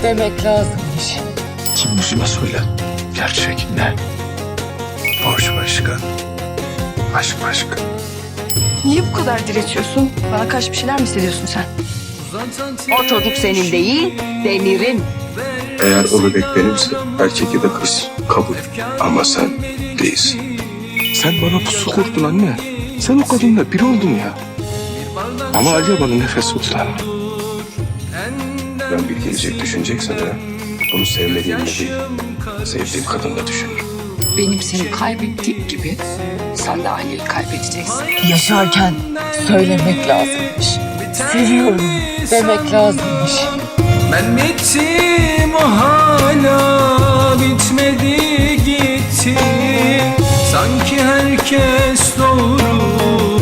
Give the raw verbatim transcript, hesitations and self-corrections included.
demek lazımmış. Kim yüzüme söyle. Gerçek ne? Borç başka. Aşk başka. Niye bu kadar direçiyorsun? Bana karşı bir şeyler mi hissediyorsun sen? O çocuk senin değil, Demir'in. Eğer o bebek benimse erkek ya da kız kabul. Ama sen değilsin. Sen bana pusu kurdun anne. Sen o kadınla bir oldun ya. Ama Aliye bana nefes tutar. Ben bir gelecek düşüneceksen ha, bunu sevmediğimle değil, sevdiğim kadınla düşünürüm. Benim seni kaybettiğim gibi sen de Ali'yi kaybedeceksin. Yaşarken söylemek lazımmış. Seviyorum demek lazımmış. Ben bittim o hala bitmedi gitti. Sanki herkes doğru